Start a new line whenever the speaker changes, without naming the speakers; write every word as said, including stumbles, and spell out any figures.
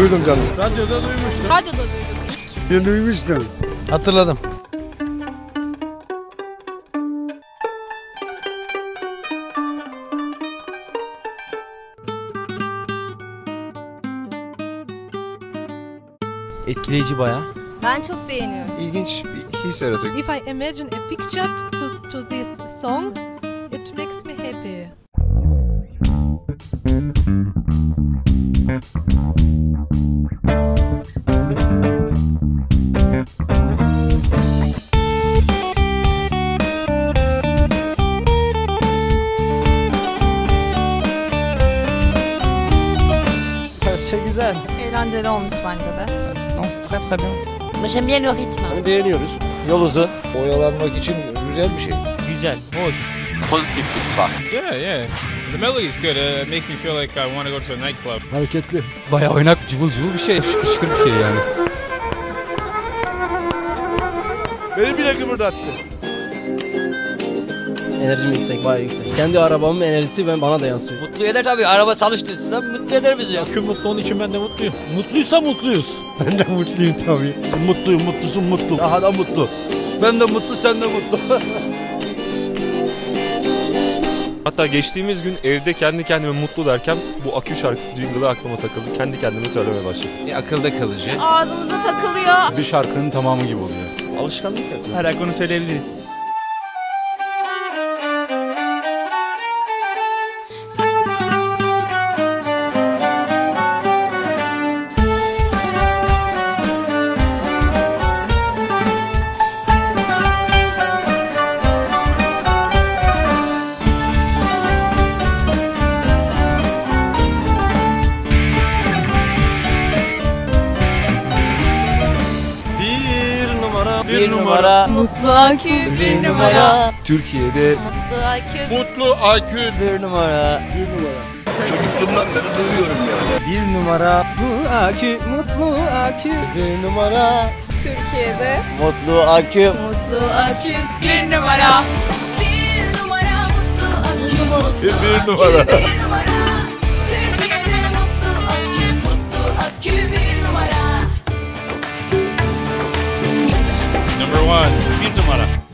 Duydum canım.
Radyoda duymuştum.
Radyoda duyduk ilk.
Ben duymuştum.
Hatırladım.
Etkileyici bayağı.
Ben çok beğeniyorum.
İlginç bir his yaratıyor.
If I imagine a picture to, to this song, it makes me happy.
Parça güzel.
Eğlenceli olmuş bence de.
Très très bien.
Moi j'aime bien le rythme.
Beğeniyoruz.
Yol uzun.
Oyalanmak için güzel bir şey.
Güzel, hoş.
Yeah, yeah. The melody is good. Uh, it makes me feel like I want to go to a nightclub.
Hareketli.
Bayağı oynak, cıvıl cıvıl bir şey. Şıkır şıkır bir şey yani.
Beni bile kıpırdattı.
Enerjim yüksek, bayağı yüksek. Kendi arabamın enerjisi ben bana da yansıyor.
Mutlu eder tabii. Araba çalıştıysa mutlu eder bizi.
Akü mutlu, onun için ben de mutluyum. Mutluysa mutluyuz.
Ben de mutluyum tabii. Mutluyum, mutlusun mutlu. Daha da mutlu. Ben de mutlu, sen de mutlu.
Hatta geçtiğimiz gün evde kendi kendime mutlu derken bu Akü şarkısı jingle'ı aklıma takıldı. Kendi kendime söylemeye başladım.
E, akılda kalıcı.
Ağzımıza takılıyor.
Bir şarkının tamamı gibi oluyor.
Alışkanlık yapıyor.
Her ay onu söyleyebiliriz.
Bir numara.
Bir numara.
Mutlu akü bir numara.
Türkiye'de
Mutlu akü.
Mutlu akü.
Bir numara.
Bir numara.
Çocukluğumdan beri duyuyorum yani.
Bir numara. Bu akü, mutlu akü.
Bir numara.
Türkiye'de
Mutlu akü.
mutlu akü bir numara.
Bir numara mutlu akü.
Bir, bir numara.
Bir numara. Türkiye'de mutlu akü. Mutlu akü bir numara.
Number one. Bir numara.